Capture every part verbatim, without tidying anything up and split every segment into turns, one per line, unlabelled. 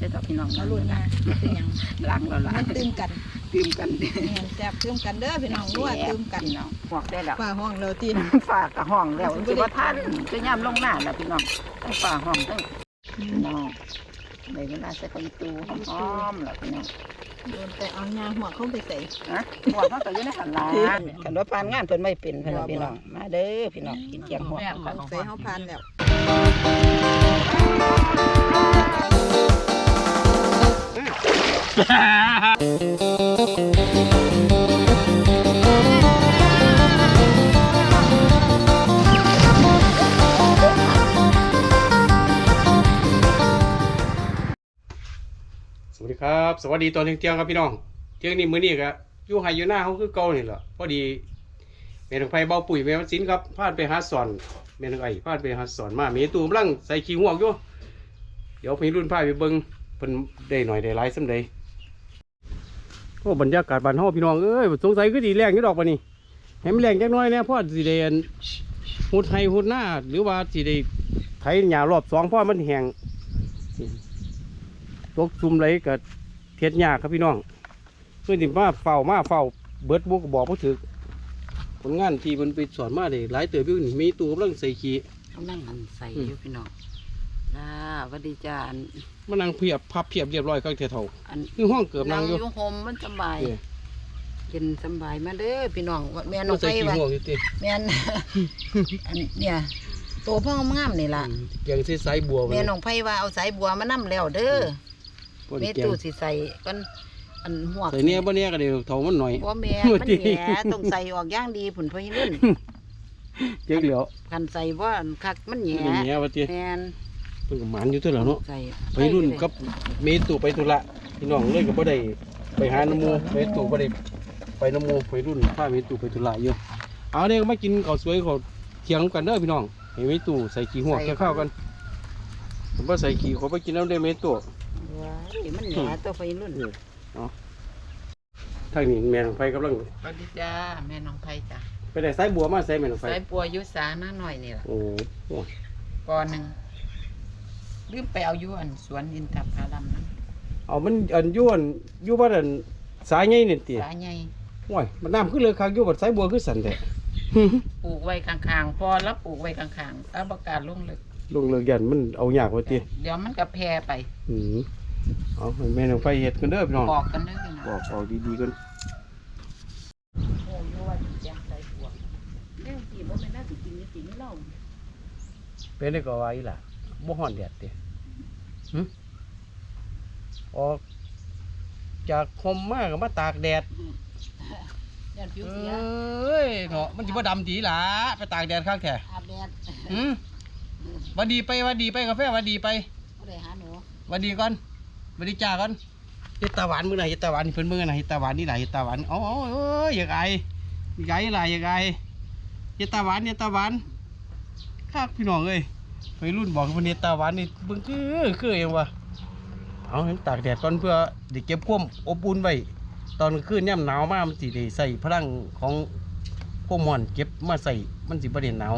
ช่ต่อพี่น้อง
มาลุ้นนะเป็นยัง
หลังเราละ
มันตื่มกัน
ตื่มกัน
แม่นแซ่บตื่มกันเด้อพี่น้องนัวตื่มกัน
พี่น้องหอกได้แล้ว
ฝ่าห้องเราตี
ฝากกับห้องแล้วสิว่าท่านจะย่ำลงหน้าแล้วพี่น้องทั้งฝากห้องทั้งพี่น้องในเวลาใส่ไปตูหอมๆแล้วพี่น้อง
โดนแต่เอายาหัวเข้าไปใส่
ฮะหัวเขาก็อยู่ในหันหลังกันว่าผ่านงานเพิ่นไม่เป็นพี่น้องพี่น้องมาเด้อพี่น้องกินเกี๊ยวหัว
ใส่เฮาพานแล้ว
สวัสดีครับสวัสดีตอนเที่ยงๆครับพี่น้องเที่ยงนี้มื้อนี้ก็อยู่ไห้อยู่หน้าเขาคือเก่านี่แหละพอดีแม่นางไผเบาปุ๋ยแม่วันศิลป์ครับพาดไปหาสอนแม่นางไอ้พาดไปหาสอนมาเมตูกำลังใส่ขี้หัวอยู่เดี๋ยวพี่รุ่นพาไปเบิ่งเพิ่นได้หน่อยได้หลายส่ำใดโอ้บรรยากาศบ้านเฮาพี่น้องเอ้ยสงสัยคือสิแรงอยู่ดอกบัดนี้ให้มันแรงจักหน่อยแน่เพราะสิได้หุดไห้หุดหน้าหรือว่าสิได้ไถหญ้ารอบสองเพราะมันแห้งตกซุ่มไรกับเทียดยากครับพี่น้องเพื่อนที่มาเฝ้ามาเฝ้าเบิดบุกบอกผู้ถือผลงานที่มันไปสอนมาเลยหลายเติบอยู่นี่มีตัวกำลังใส่ขี้
เขานั่งหันใส่อยู่พี่น้องลาวัสดีจ้าอัน
มันนั่งเพียบพับเพียบเรียบร้อยข้างเท่า
อัน
คือห้องเกือบนั่งอยู่
อยู่โฮมมันสบาย
เออ
กินสบายมาเด้อพี่น้องแม่น้
มั
อน ง
ใส่
ไป
ขี้
ว่า
หัวอยู่ติ
แม่น อันเนี่ยตัวพ่องามนี่ล่ะ
แกงใส่สายบัว
แม่น้องไผว่าเอาสายบัวมานํแล้วเด้อ
พอ
แม่
ดีแกง
ตู้สิใส่กันอันหัว
ใส่เนี้ยบ่เนี้ยก็เดี๋ยวเท่ามันหน่อย
บ่แม่
หัว
มัน
จริง
แหน่ต้องใส่ออกอย่างดีผุนพอยรุ่น
เจ๊กเหลียว
คันใส่ว่าอันคักมันแห
มัน
น่
เนี้ยว่าติ
แม่น
เพิ่นก็หมานอยู่เท่าแล้วเนาะ
ใส่
ไปรุ่นกับเมตุไปธุระพี่น้องเลยก็บ่ได้ไปหาน้ำหมูเมตุบ่ได้ไปน้ำหมูไปรุ่นพาเมตุไปธุระอยู่เอาเด้ก็มากินข้าวสวยข้าวเที่ยงกันเด้อพี่น้องให้เมตุใส่ขี้หัวแค่ข้าวกันผมบ่ใส่ขี้ขอไปกินน้ำได้เมตุ
ว้ายมันแหน่ตัวพอยรุ่น
ทางนี้แม่น้องไฟกำลัง
สวัสดีจ้าแม่น้องไผจ้า
ไปได้สายบัวมาใส่แม่น้องไฟ
ใส่ปัวยุสามาหน่อยนี่ล่ะ
โอ้โห
กอหนึงลืมไปเอาอยู่อันสวนอินทผลัมนั้น
เอามันอันอยู่อันอยู่บ้านอันสายใหญ่นี่ติ
สาใหญ่
โอ้ยมันน้ำขึ้นเลยคักอยู่บัดสายบัวคือสั่นแท้
ปลูกไว้ข้างๆพอแล้วปลูกไว้ข้างๆตาประกาศลงลึก
ลงเลิกยันมันเอายากว่าติ
เดี๋ยวมันก็แพร่ไป
อืมเอาให้แม่น้องไฟเฮ็ดกันเด้อพี่น้อง
บอกกันเด้อพี่น้อง
บอกบอกดีๆกัน
โอ้ยว่าสิแจ้งใส่ปัวเรื่องที่บ่แม่นน่าสิกินนี่สิไม่เล่า
เป็นได้ก็ว่าอีหล่ะบ่ฮ้อนแดดติหึออกจากคมมาก็มาตากแดด
ญาติผิว
เอ
เสีย้
ยเนาะมันสิบ่ดำดีหล่ะไปตากแดดข้างแท้
อาบแดด
หืมหวัดดีไปหวัดดีไปกาแฟหวัดดีไป
บ่ได้หาหนู
หวัดดีก่อนหวัดดีจ้าก่อนเฮ็ดตาหวานมื้อไหนเฮ็ดตาหวานนี่เพิ่นมื้อไหนเฮ็ดตาหวานนี่หล่ะเฮ็ดตาหวานเอ้าๆเอ้ยอยากไออยากไอหล่ะอยากไอเฮ็ดตาหวานเฮ็ดตาหวานคักพี่น้องเอ้ยวัยรุ่นบอกว่าเฮ็ดตาหวานนี่เบิ่งคือคือเองว่ะเอาให้ตากแดดก่อนเพื่อได้เก็บความอบอุ่นไว้ตอนกลางคืนยามหนาวมามันสิได้ใส่พลังของความร้อนเก็บมาใส่มันสิบ่ได้หนาว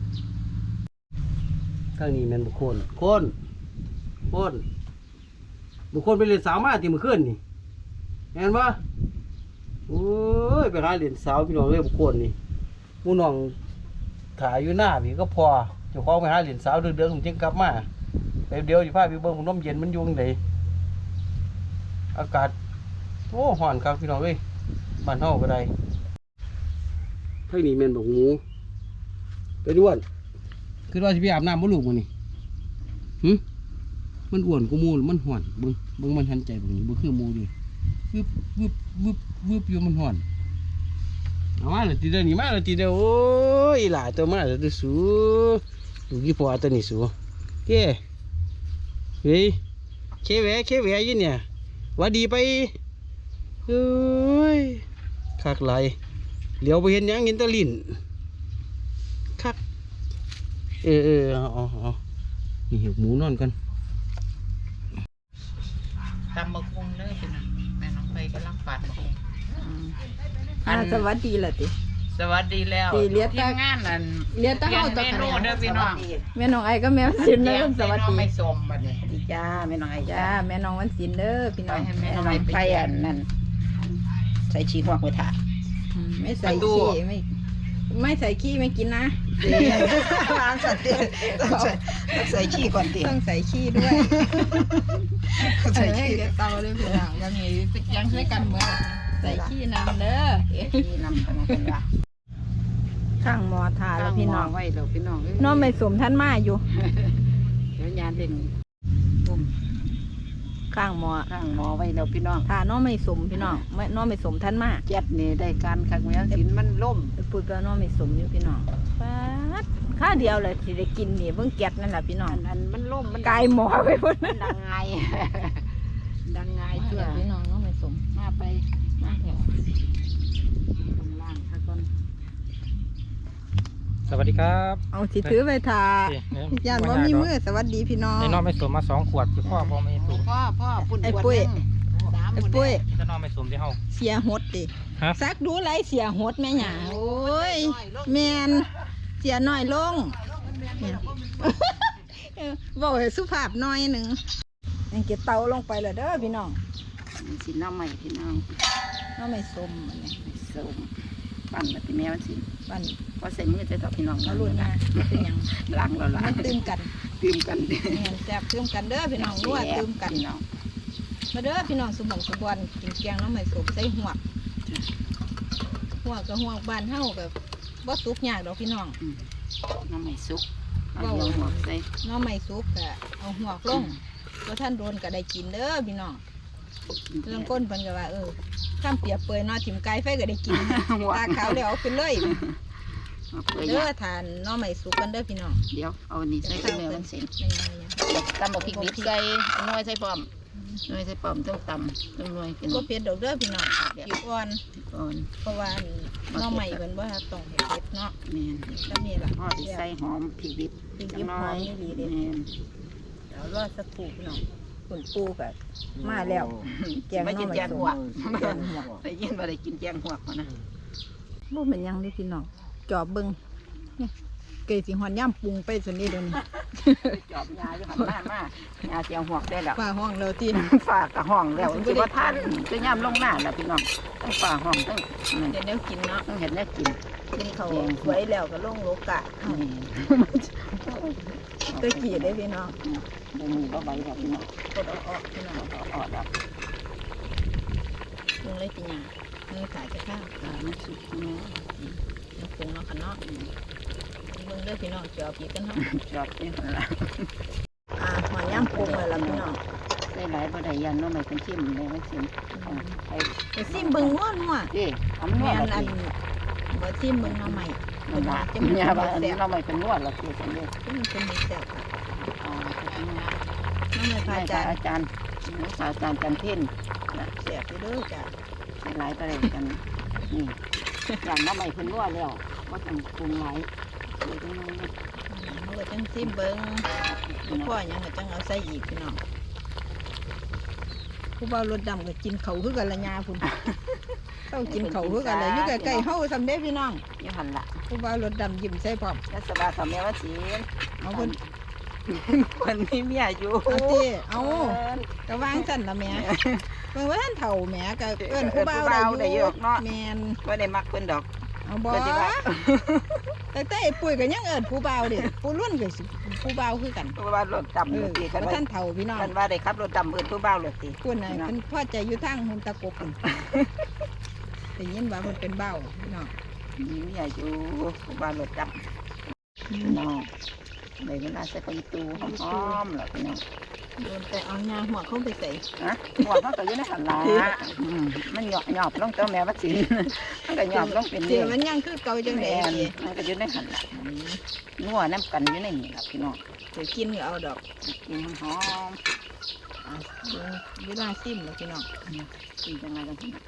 ข้างนี้แม่นบุคคลโคนโคนบุคคลไปเรียนสาวมาที่มื้อคืนนี่แม่นบ่โอ้ยไปหาเรียนสาวพี่น้องเอ้ยบุคคลนี่หมู่น้องถ่ายอยู่หน้าพี่ก็พอเจ้าของไปหาเรียนสาวเดือดๆผมจึงกลับมาแป๊บเดียวสิพาไปเบิ่งน้ำเย็นมันอยู่จังไดอากาศโอ้ร้อนครับพี่น้องเอ้ยบ้านเฮาก็ได้ทางนี้แม่นบักหมูไปด้วนคือว่าสิไปอาบน้ำบ่ลูกมื้อนี้หึมันอ้วนกว่าหมูมันร้อนเบิ่งเบิ่งมันหันใจเบิ่งนี่บ่คือหมูดิวึบวึบวึบวึบอยู่มันร้อนเอามาเลยทีเดียวนี่มาเลยทีเดียวโอ้ยหลายตัวมาเลยตัวสูดูกี่พอตัวนี้สูเก้เฮ้ยเคแหวเคแหวอยู่เนี่ยหวัดดีไปเอ้ยคักไหลเหลียวไปเห็นหยังเห็นแตะลิ้นคักเออเออเอาเอาเอานี่เห็บหมูนอนกัน
ตำบักหุ่งเด้อพี่น้องแม่น้องไผกำลังฝาดบักหุ่ง
อ่าสวัสดีล่ะติ
สสวัสดีแล้ว
สี่เหลือ
ที
แต่
มงานนั่น
เหลือแต่
เปลี่ย
เฮาน ตะ
เม
คะ
นู
แนน
เด้อพี่น้อง
แม่น้องไอ้ก็แม่วันศิลป์เด้อสวัสดี
ไม่สมบัดนี้ดีจ้าแม่น้องไอ้
จ้า
จ้า
แม่น้องวันศิลป์เด้อพี่
ไป
น้อง
ให้แม่น้องไอ้ไปอันนั่นใส่ชีหัวกไว้ถ่า
อืมไม่ใส่
ประตู
ขี้ไม่ไม่ใส่ขี้ไม่กินนะ
วางสัตว์ต้องใส่ต้องใส่ชีก่อนติ
ต้องใส่ขี้ด้วย
ใส่
ใส่
ชี
ขี้เดี๋ยวเตาเลยพี่น้องยังมียังใช้กันเหมือนใส่ขี้นำเด้อ
ชีนำกันเป็นว่า
ข้างหมอทาแล้วพี่น้อง
ไว้แล้วพี่น้อง
น้องไม่สมท่านมาอยู่
เดี๋ยวยานเล่นตุ่ม
ข้างหมอ
ข้างหมอไว้แล้วพี่น้อง
ทาน้องไม่สมพี่น้องไม่น้องไม่สมท่านมา
เจ็ดนี่ได้การคักแม่สินมันล่ม
ไปพูดกับน้องไม่สมอยู่พี่น้องป๊าดข้าวเดียวเลยที่ได้กินนี่เพิ่งเก็บนั่นแหละพี่น้อง
อันนั้นมันล่มมัน
กายหมอไปพุ่น
มันดังไง ดังไง
ไอ้
เชื่
เพื่
อ
อพี่น้องน้องไม่สม
มาไป
มาแถว
ข้างล่างถ้าก่อน
สวัสดีครับ
เอาสิถือไปทา
นี่เนี่ย
ย่านว่ามีมือสวัสดีพี่น้อง
ในน้องไม่สมมาสองขวดคือพ่อพ่อไม่สูบ
พ่อพ่อปุ่น
ไอ้ปุ้ย
สาม
ไอ้
หมด
ปุ้ย
นี่ถ้าน้องไม่สมที่เฮา
เสียหดดิ
ฮะ
ซักดูไรเสียหดแม่หยาโอ้ยแมนเสียน้อยลงแม่นเออบอกให้สุภาพหน้อยหนึ่งยังเก็บเตาลงไปเลยเด้อพี่น้อง
สิน้ำใหม่พี่น้อง
น้องไม่สมอันนี้
ส้มปั่นมาที่แม่มันสิ
บ้าน
พอใส่มือจะต่อพี่น้อง
เอาลุ่นมาเป็นหยัง
ล้างแล้วล้า
มั
ง
นตื่มกัน
ตื่มกัน
แม่นแซ่บตื่มกันเด้อพี่น้องนัวตื่มกัน
พี่น้อง
มาเด้อพี่น้องสมบังสมบันกินแกงน้องไม่สมใส่หัวกหัวกกับหัวกบ้านเฮากับบ่สุกยากดอกพี่น้อง
น้ำใหม่สุกเอาเดียวหัวใส่
น้องไม่สุกก็เอาหัวกลงก็ท่านโดนก็ได้กินเด้อพี่น้องเรื่องก้นเพิ่นก็ว่าเออข้ามเปียกเปื่อยเนอถิ่มไก่ไฟก็ได้กินตาขาวแล้วเอาขึ้นเลย
เอาเปื่อย
เด้อทานน้องไม่สุกกันเด้อพี่น้อง
เดี๋ยวเอานี่ใส่ข้าวแม่มันสิ
ไม่ยังไม่ยัง
ตำบักพริกดิบใส่หน่วยใส่ปอมหน่วยใส่ปอมต้องตำต้องหน่วยเป็น
ก็เผ็ดดอกเด้อพี่น้องผิวอ่อน
ก่อน
เพราะว่าน้องใหม่เพิ่นบ่ต้องเฮ็ดเนาะ
แม่น
ก็มีล่ะ
พ่อที่ใส่หอมพริกดิบ
พริกดิบหอมนี่ดีเด้
แม่น
เดี๋ยวรอสักครู่พี่น้องคุณปูก็มาแล้ว แกง
ไม่กิน
หน่อไม้
แกงหัว
แกงหัว
ได้ยินว่าได้กินแกงหัวเขานะ
บ่เป็นหยังเด้อพี่น้องจอบเบิ่งเนี่ยเกยสิฮอนย่ำปรุงไปซั่นนี่เดี๋ยวนี้
จอบยาอยู่หันหน้ามาหยาเสียงหัวได้แล้ว
ป้าห้องแล้วที่
ฝากกับห้องแล้วคือว่าท่านจะย่ำลงหน้าแล้วพี่น้องต้องฝากห้องต้องนั่น
เดี๋ยวแนวกินเนาะ
ต้องเห็นแล้วกิน
กินเขาวสวยแล้วก็ลงโลกะ
นี่
ตะกี้ได้อพี่น้อง
บ่มีบ่ใบแล้วพี่น้อง
กดเอาออกพี่น้อง
เอาออกแล้ว
ปรุงเลยเป็นหยังมือขายจะข้าว
ตามันสุกแม่
น้ำปรุงเนาะค่ะเนาะเบิ่งเด้อพี่น้องจอบอีกกันเนาะ
จอบนี่หั่นล่ะ
อ่าหอยย่ำปรุงเลยล่ะพี่น้อง
ใส่หลายบ่ได้ยันเนาะไม่เป็นชิมเลยมันชิมไป
ไปซิมเบิ่งนัวนัว
เด้ทำนว
แม่
ด
นอั
ละ
น
สิ
บ่ซิมเบิ่งเนาะใหม่
มันว่า
จะมี
เนี่ยว่าอัน
แซ่
นี้
บ
เราไม่เป็นนวดละสิสันเด้
ที่มันเป็นมีแซ่บค่ะ
อ๋อ
น้ำมันพา
อา
จา
จาร
ร
ย์
ย์
อาจารย์อาจารย์จันเพ่น
แซ่บอยู่เด้อจ้ะ
ใส่หลายประเด็นกันนี่อย่างน้ำใหม่เพิ่นนวดแล้วว่าต้องปรุงหลายเลยต้องนวด
เฮาก็จังซิมเบิ่งพ่อหยังก็จังเอาใส่อีกพี่น้องผู้บ่าวรถดำก็กินเขาวคือกันละยาพุ่นเฮากินเขาวคือกันละอยู่ใกล้ๆเฮาซำเด้พี่น้อง
ยี่หันละ
ผู้บ่าวรถดำยิ้มใส่พร้อม
แล้วสบายสมัยว่าสี
เอาเพิ่น
คนนี้เมียอยู่
เอาติเอาก็วางซั่นล่ะแหม่เพิ่นว่าท่านเฒ่าแหม่ก็เอิ้นผู้บ่าวได้อยู่แม่น
ว่าได้มักเพิ่นดอก
เอาบ่
ก็สิว่า
แต่แต่ไอ้ปุ้ยก็ยังเอิ้นผู้บ่าวเด้ผู้รุ่นก็สิผู้บ่าวคือกัน
เพราะว่ารถดำ
เอ
ร
อ
ถตีกัน
ว่า
ว่า
ท่านเฒ่าพี่น้อง
มันว่าได้ขับรถดำเอิ้นผู้บ่าวรถตี
คุณน่ะเพิ่นพอใจอยู่ทางหุ่นตะกบพุ่นได้ยินว่าเพิ่นเป็นเบ้าพี่น้อง
มีเมียอยู่ผู้บ่าวรถดำน้องในเวลาใส่ไปตูหอมๆแล้วพี่น้อง
โดนแต่เอาหญ้าหัวเข้าไปใส่
ฮะหัวเขาก็อยู่ในหันละอืมมันหยอบหยอบลงเจ้าแม่วัดศิลป์มันก็หยอบลงเป็น
เดี๋
เรื่
ย
อ
ว
ง
มันยังคือเก่าจังได๋
แม่น
สิ
มันก็อยู่ในหันละนัวน้ำกันอยู่ในนี่ล่ะพี่น้อง
สิกินก็เอาดอก
กินหอม
อ่ะเบิ่งเวลาซิมแล้วพี่น้อง
ๆกินจังไงกันพี่น้อง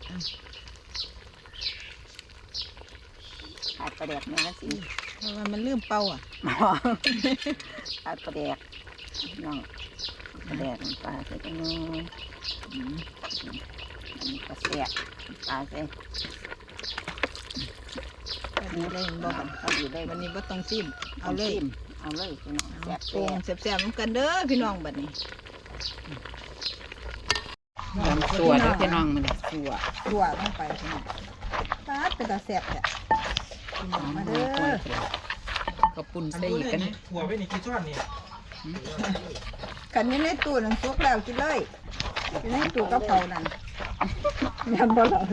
ขาดประแดกแม่วัดศิลป์
เพราะว่ามันลืมเป่าอ่ะ
ขาดประแดกพี่น้องประแดกน้ำปลาใส่กันนู้นอืมอันนี้ก็แซ่บน้ำปลาใส่
พอดีเลยเห็นบ่บัด
พอดีเลย
วันนี้บ่ต้องซิมเอาเลย
จิ้มเอาเลยพี่น้องแซ่บ
ปรุงแซ่บๆนำกันเด้อพี่น้องบัดนี้
ตำตัวเด้อพี่น้องมันตัว
ถั่วลงไปพี่น้องปาดเป็นตาแซ่บแท้พี่น้องมาเด้อ
ก็ปุ่นใส่อีกกันนะ
ถั่วไปนี่กี่ช้อนนี่
กันอยู่ในตู้นั่นสุกแล้วกินเลยอยู่ในตู้กระเพรานั่นยำบ่หล่อ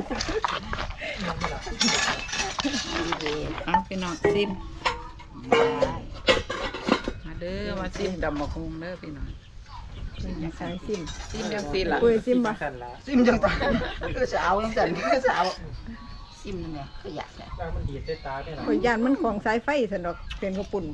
ดีๆเอาพี่น้องซิมมาเด้อมาซิมดำมะคุงเด้อพี่น้อง
ใส่ซิม
ซิมจังซี่ล่ะ
ปุ้ยซิมบ่
สั่นละ
ซิมจังตาคือสาวจังซั่นคือสาวซิมนั่นแหละคืออยากแหละ
แล้วมันดีดใส่ตาได้หรอ
ข่อยย่านมันของสายไฟซั่นดอกเป็นข้าวปุ่น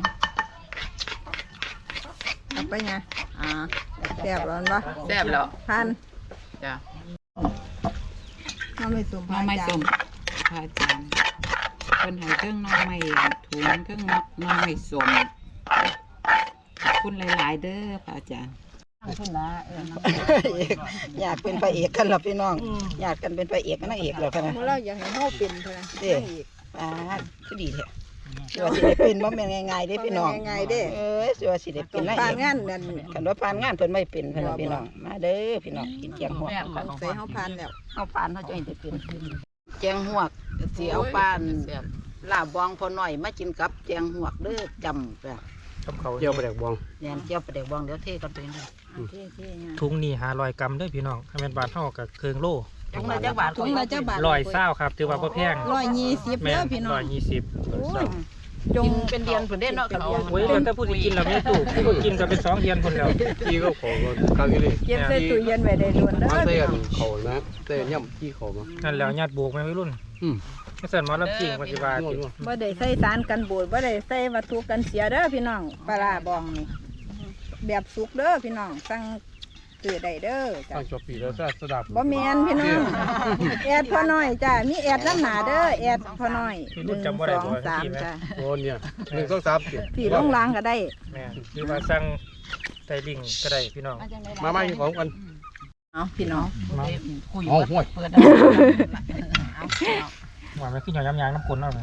เอาไปไงอ่าแซ่บร้อนบ่
แซ่บแล้ว
ทาน
จ้ะ
น้ำไม่สม
น้องไม่ส้มพระอาจารย์เพิ่นให้เครื่องน้องไม่ถุงเครื่องน้องไม่ส้มขอบคุณหลายๆเด้อพระอาจารย์พุ่นละเออน้อง
อยากเป็นพระเอกกันหรอพี่น้องอยากกันเป็นพระเอกกับนางเอกเหรอคะนะ
เมื่อเราอยากให้เฮาเป็นเท่านั้น
เด้อ่าคือดีแท้สิว่าสิได้เป็นบ่แม่นง่ายๆเด้พี่น้อง
ง่ายๆเด้
เอ้ยสิว่าสิได้
ต้
เป็
อน ง
นาง
ผ่าน
เอก
งานนั่น
คันว่าผ่านงานเพิ่นไม่เป็นเพิ่นว่าพี่น้องมาเด้อพี่น้องกินเจียงหัวก
ใส่เฮาผ่านแล้ว
เอาปานเฮาจะให้ได้เป็นเจียงหัวกสิเอาปานลาบบองพอหน่อยมากินกับเจียงหัวกเด้อจำไป
กับเขา
เจียวปลาแดกบอง
แหนมเจียวปลาแดกบองเดี๋ยวเทกันไปเลยเทเทๆเนี่ย
ถุงนี่หาร้อยกรัมเด้อพี่น้องถ้าเป็นบาทเท่ากับเครื่องโล่
ถุงละจักบาท
ถุงละเจ้าบาท
ร้อยเศร้าครับถือว่าบ่แพง
ร้อยยี่สิบ
แม่
เด้อพี่น้อ
ร้อง ยยี่สิบ
โอ้ยจ
จ
ง
งเป็นเดือนเพิ่นได้เนาะกับเดือน
โอ้ยแล้วถ้าผู้สิกินเราไม่ถูกผู้กินก็เป็นสองเทียนคนแล้ว
พี่ก็ขอก็ครั้งนี้เลย
เก็บใส่ตู้เย็นไว้ได้ล้วนเด้อ
มาใส่
พี่
กัน
น้อง
เขานะใส่ย่ำที่เขามา
นั่นแล้วญาติโบกแม่วัยรุ่น
อืม
ไม่สั่นหมอลำจริงปฏิบัติ
ง่วง
บ่ได้ใส่สารกันบูดบ่ได้ใส่วัตถุกันเสียเด้อพี่น้องปลาร้าบองนี่แบบสุกเด้อพี่น้องสั่งซื้อได้เด้อจ้ะ
ตั้งจบปีแล้วจะสดับ
บ่แม่นพี่น้องแอดพอน้อยจ้ะมีแอดน้ำหนาเด้อแอดพอน้อยหนึ่งสองสามจ้ะ
โอ้เนี่ยหนึ่งสองสามสี่
พี่ลงล้างก็ได้
แม่หรือว่าสั่งไตลิงก็ได้พี่น้อง
มาไม่ของกัน
เอาพี่น้อง
มา
คุย
อ๋อห่วย
เปิดได้เอาเอา
หวานไม่ขึ้นหย่อยยางน้ำกลนเอาเลย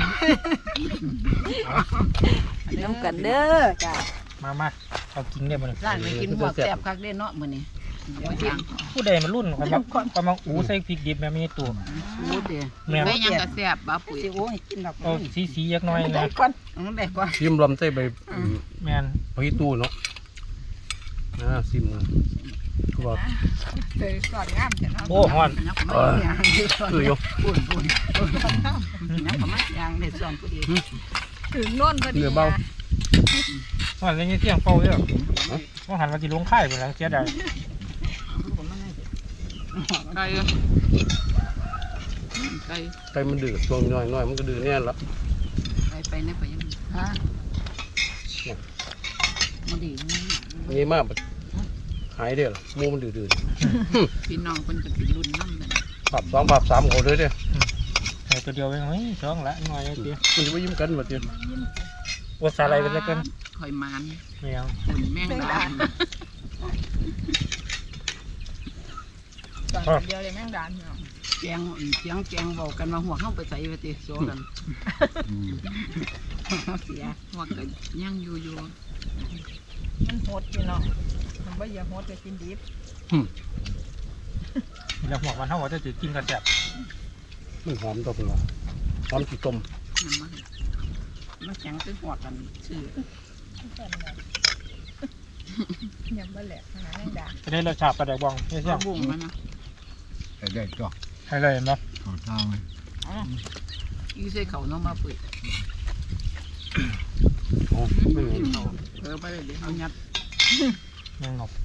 น้ำกันเด้อจ้ะ
มามาเอากินได้บ่เลย
ร้านไปกินหัวกแซ่บคักเด้เนาะมื้อนี้เดี๋ยวย่าง
ผู้ใดมันรุ่นความมักความมักอูใส่พริกดิบแม่มีตัว
อู้เด้
แม่
ไปยังก็แซ่บบ่ปุ๋ย
สิโอ้ยกินดอก
เอาสีสีๆยักหน้อย
ได้
นะ
ก่อน
อันได้ก่อน
ซิมลำใส่ใบ
แม่น
พริกตู้เนาะนะซิมก็บอก
เคยสอนงามจ้ะเนาะ
โอ้ฮ้อน
นักมาย่าง
คืออยู่
ปุ่นปุ่นนักมาย่างได้ส่วนผู้ดี
ถึงโน่นพอดี
เนื้อเบา
ฮ้อนเลยเที่ยงเฝ้าเด้อว่าหันมาสิลงค่ายพุ่นแล้วเสียดาย
ไก่ไก่
ไก่มันดื้อช่วงน้อยน้อยมันก็ดื้อแน่ละ
ไปไปเนี่ยไปยังฮะมาดี
นี่มากหายเด้อมูมันดื้อดื้อ
พี่น้องคนจะเป็นรุ่นน้ำเลย
ปรับสองปรับสามเขาเลยเด้อ
ให้ตัวเดียวเองเฮ้ยสองละหน่อยเดียว
มันจะไปยิ้มกันแบบเดียว
ว่าสาอะไรเป็นแล้วกัน
คอยมาน
ไม่เอา
หุ่นแม่งดา
สอนเดียวเลยแม่งดานพี่น้อง
แจงเสียงแจงบอกกันมาหัวเข้าไปใส่ไปติโซกันเสียหัวกันย่างอยู่อยู่
มันโหดพี่น้องมันบ่อยากโหดก็กินดิบ
แล้วหัวมันเท่าว่าจะถือกินกระแสบ
มันหอมตัวเป็นว่าหอมขี้ต้ม
น้ำมันมาแข็งตึ้งหัวกันชื่อย
ำบ่แหลกขนาดแม่งดาน
จะได้รสชาติปลาแดกบองไม่ใช่
บุ้งมันนะ
ได้จ้ะ
ให้เลยเห็นไหม
ขอทางเลย
ยี่ใส่เขาเนาะมาปุ๋ย
อ๋อไม่เหม็น
เขาเออไปเลยเอายัด
แมงนก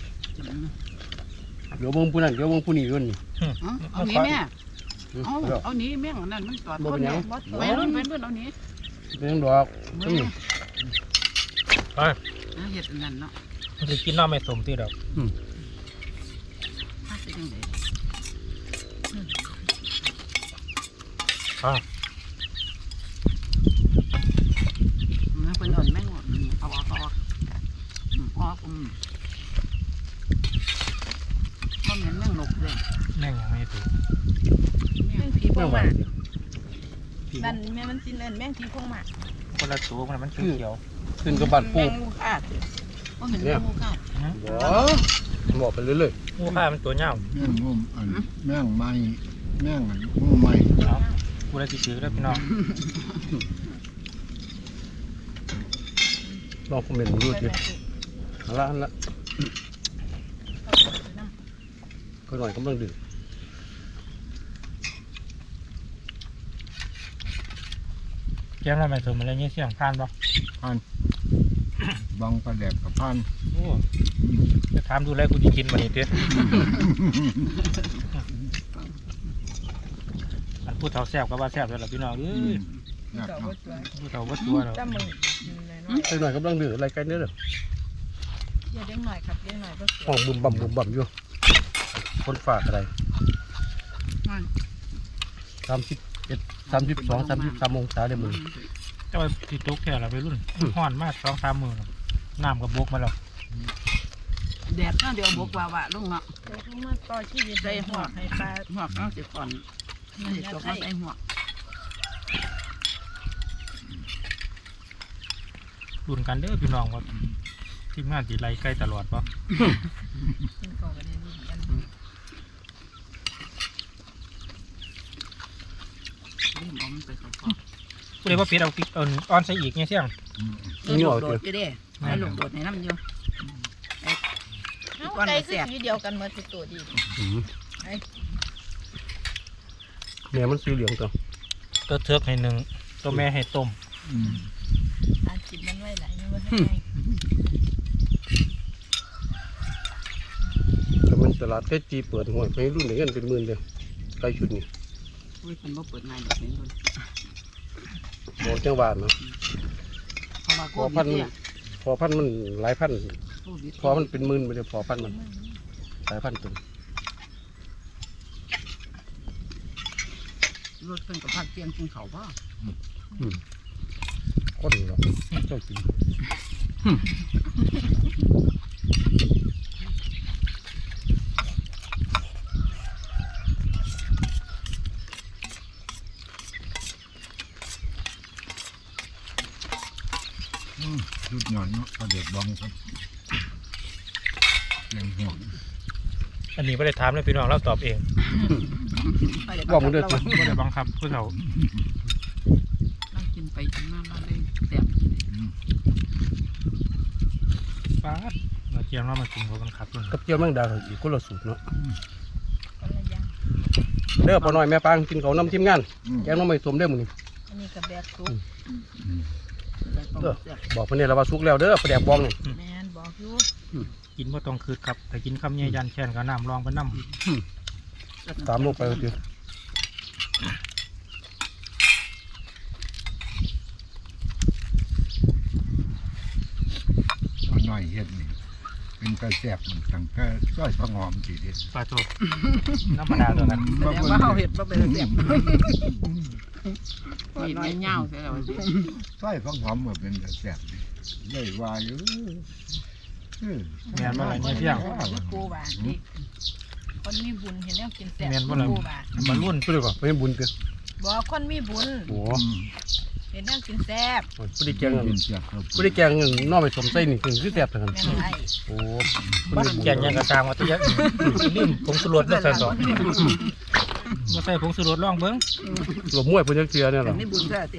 เดี๋ยวเบิ่งผู้นั้นเดี๋ยวเบิ่งผู้นี้ด้วยนี่
เอานี้แม่เอาเอานี้แม่งนั่นมันจอดคนเนี่ยไปรุ่นไปรุ่นเอานี้
เป็นยังดอก
เ
ต้นนี่
ไป
เห็ดนั่นเนาะ
มันจะกินน้ำไม่สมที่ดอก
ถ้าเป็นยังไง
อ่า
มันเป็นอ่อนแม่งเอาออกเอาออกออกอืมมันเหมือนแม่งหนกเลย
แม่งยังไม่ถูก
แม่งผี
ไม่
บ้า
ไหว
มา
เดี๋ยว
นั่นแม่มันสิเอิ้นแมงผีพงหมาก
คนละตัวมันมันเขียว
ขึ้นกับบ้าน
แม
ปู
งงูคาดว่าเห็นแมงงูคาด
บ่บอกไปเรื่อย
ๆงูข้ามันตัวเน่า
แม่งงมอันแม่งไม้แม่งอันงูไม้
เอากูเลยติดซื้อแล้วพี่น้อง
ๆลองคอมเมนต์ดูดิเอาละอันละก็หน่อยกำลังดื้อ
แก้มอะไรมาสมอะไรเงี้ยเสียงพานปะ
พันบางประแดกกับพัน
โอ้จะถามดูแลกูจะกินมันนี่เตี้ยอันพูดเท่าแซ่บก็ว่าแซ่บแล้วล่ะพี่น้องเอ้ย
อยากเนาะ
พูดเท่าวัดตัวเนาะ
จ้ามึง
ไปหน่อยกำลังดื้ออะไรกันเนี่ยเด้อ
อย่าเด้งหน่อยครับเด้งหน่อยบ่สวย
ห้องบุ่มบ่ำบุ่มบ่ำอยู่คนฝากอะไรสามสิบเอ็ดสามสิบสองสามสิบสามองศาเลยมึง
เจ้าติดตกแค่ละไปรุ่นห้อนมากสองสามมือน้ำกับบกมาแล้ว
แดดเนาะเดี๋ยวบกว่าวะลงเนาะ
เดี๋ยวเขามาต่อชีวิตได้หัวให้ปลา
หัวกเนาะสิก่อนนี่ตกมาใส่หัว
รุ่นกันเด้อพี่น้องว่าทีมงานตีไรใกล้ตลอดปะ
กินก่อนก็ได้รุ่นกัน
เริ่มเอามันไปเขาพอ
กูเลยว่าเป็ดเอาเอาออนใส่อีกเนี่ยเสียง
เออลูกโดดก็ได้ให้ลูกโดดให้น้ำอยู่
เอาไก่คือสีเดียวกันหมดทุกตัวดี
อืมเนี่ยมันสีเหลืองตัว
ตัวเทือกให้หนึ่งตัวแม่ให้ต้ม
อืม
อาจิบมันไว้ไหลมันไว้ให้ไง
แต่มันตลาดใกล้จีเปิดหัวไปรุ่นไหนกันเป็นหมื่นเลยใกล้ชุดนี้
อุ้ยมันบ่เปิดง่ายแบบนี้คน
บอกจังหวัดเนาะ
เพราะว่า
พ
โค
อ
วิ
พั
ด
นธุ์
เนี่ย
พอพันธุ์มันหลายพันธุ์
โควิด
พอมันเป็นหมื่นไปเลยพอพันธุ์มันหลายพันธุ์ตัว
รถเพิ่นกับพักเตียงกินเขาวบ่
อืมคนเหรอเจ้ากิน
อืมชุดหย่อนเนาะประเด็กบองครับยังห่วง
อันนี้ไม่ได้ถามเลยพี่น้องเราตอบเอง
บอกมึงเด้อสิ
ไม่ได้บังคับผู้เฒ่า
นั่งกินไปกินมามาเลยแซ่บ
ป้าดเราเจียมเรามากินเขาบังคับเลย
กับเจียวแมงดาอีกคนละสูตรเนาะ
คนละอย่าง
เด้อปอน้อยแม่ปางกินเขาวนำทีมงาน
อืม
แกงน้องไม่สมเด้อมึงนี่
อันนี้กับแบบซุป
เด้อบอกเพิ่นเนี่ยเราว่าสุกแล้วเด้อปลาแดกบองนี่
แมนบอกอยู่
กินว่าต้องคืดครับแต่กินคำเยยันแช่นกับน้ำรองไปน้
ตามลงไปเถอะ
เอาหน่อยเฮ็ดนี่เป็นกระแสบมันตั้งแต่ซอยพะงอมทีเดียว
ำปลาโตน้ำมะนาวตัวนั้น
แสดงว่าเฮาเฮ็ดบ่เป็นแซ่บนี่น้อยเหย้าใช่แล้วสิ
ซอยพะงอมมันเป็นกระแสบนี่เลยว่าอยู่เออ
แมนบ่อะไรเนี่ยเพียง
นี่กูว่านี่คนมีบุญเห็นแล้วกินแซ่บ
แมนบ่อะไร
กูว่า
บรรลุน
ไปเลยก่อนไปบุญเถอะ
บอกคนมีบุญ
โอ้
อืม
เห็นแล้วกินแซ่บ
ยผู้ได้แกง
เป็นแสบครับ
ผู้ได้แกงน้องไม่สมใส่นี่คือคือแซ่บเท่านั้น
แม่นไร
โอ้
บ้านแกงยังกระซางมาตัวเยอะลืมผงสุรสมาใส่ต่อมาใส่ผงสุรสลองเบิ้ง
หลบมวยเพิ่นจักเทื่อเนี่ยหรอ
นี่บุญแท้ติ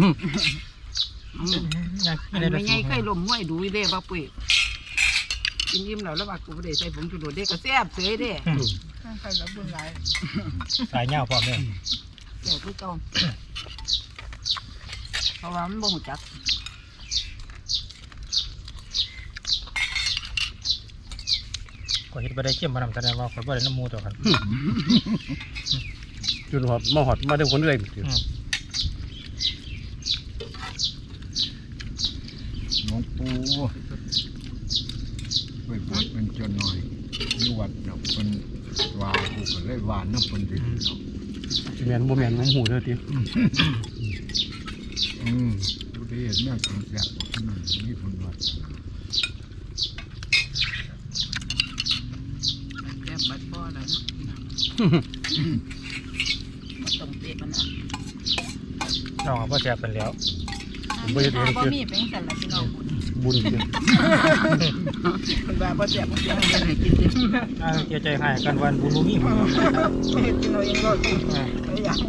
ยัง
อั
ไม่
น
ได้
นี้
ละ
ไม่
สู
ไงเคยล้มมวยดูอีเด้บ่ปุ้ยกินยิ้มแล้วแล้วว่ากูบ่ได้ใส่ผงชูรสเด้ก็แซ่บเสยเด้
ใครรับบุญหลาย
สายเงาพร้อมเลย
แซ่บคือเก่าเพราะว่ามันบ่ฮู้จัก
ก็เห็นไปได้เข้มมานำแสดงว่าคนบ่ได้น้ำมูตัวกัน
จนหอดมาหอดมาได้คนได้
หลวงปู่ไปบวชเป็นเจ้าหน่อยอยู่วัดเนาะเป็นว่าผู้ก็เลยว่าน้ำเป็นดินเนาะ
สิแม่นบ่แม่นผมหูเด้อติ
อืมดูดีเห็นแม่กินแสบอืมนี่คนวัด
แซ่บบัดบ่แล้วเนาะบ่ต้องเตะมันนะ
น้องก็แซ่บเป็นแล้วผมบ่ได้
ถ้า
เห็น
บ่
คือ
มีเป็นสั่นล่ะพี่น้อง
บุญเนี่ย
มันว่าบ่แซ่บบ่แซ่บให้กินดิ
อ่าเสียใจให้กันวันบุญบ่มีหมด
เฮ็ดกินเอาเองรอดอยาก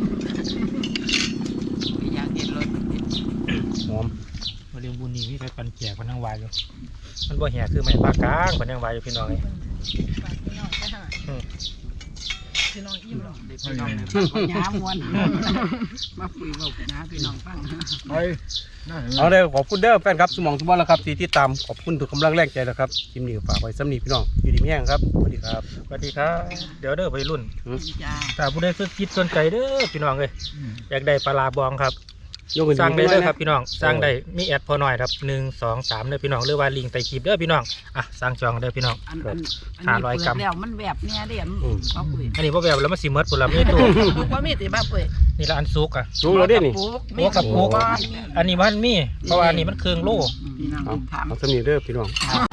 อยากเห็นรถ
หอม
มาเรียนบุญนี่มีใครปันแจกมันทั้งวายอยู่มันบ่แห่คือไม่ปากกลางมันยังวายอยู่พี่น้องเอ้ย
ฝากพี่น้องไปหา
อืม
พี่น้องอิ่มหรอก
พี่น้องยามวนมาคุยเว้ากันนะพี่น้องฟัง
ไปนั่น
เอาเลยขอบคุณเด้อแฟนครับสมองสมบัติแล้วครับที่ติดตามขอบคุณทุกกำลังแรงใจนะครับคลิปนี้ก็ฝากไว้สำนีพี่น้องอยู่ดีมีแห้งครับสวัสดีครับ
สวัสดีครับเดี๋ยวเด้อวัยรุ่น
จ้า
ถ้าผู้ใดสนจิตสนใจเด้อพี่น้องเอ้ยอยากได้ปลาร้าบองครับ
ยกขึ้น
สร้างได้
ห
เด้
น่
อ
อย
ครับ
นะ
พี่น้องสร้างได้มีแอดพอหน่อยครับหนึ่งสองสามเด้อพี่น้องหรือว่าลิงก์ใต้คลิปเด้อพี่น้องอ่ะสร้างจองเด้อพี่น้อง
อันอัน
ห้าร้อยกรัม
แล้วมันแบบเนี้ยเด้อเขาคุย
อันนี้พ่แบบแล้วมันสิเมดปุ่นละมีตู้
บ่มีติบ้าเป้ย
นี่ละอันซุกอ่ะ
สูงแล้วเด้นี่
หัวกับปุกอันนี้มันมีเพราะว่าอันนี้มันเครื่องโล่
พี่น้อง
เอา
ถาม
เอาสำนีเด้อพี่น้อง
ถาม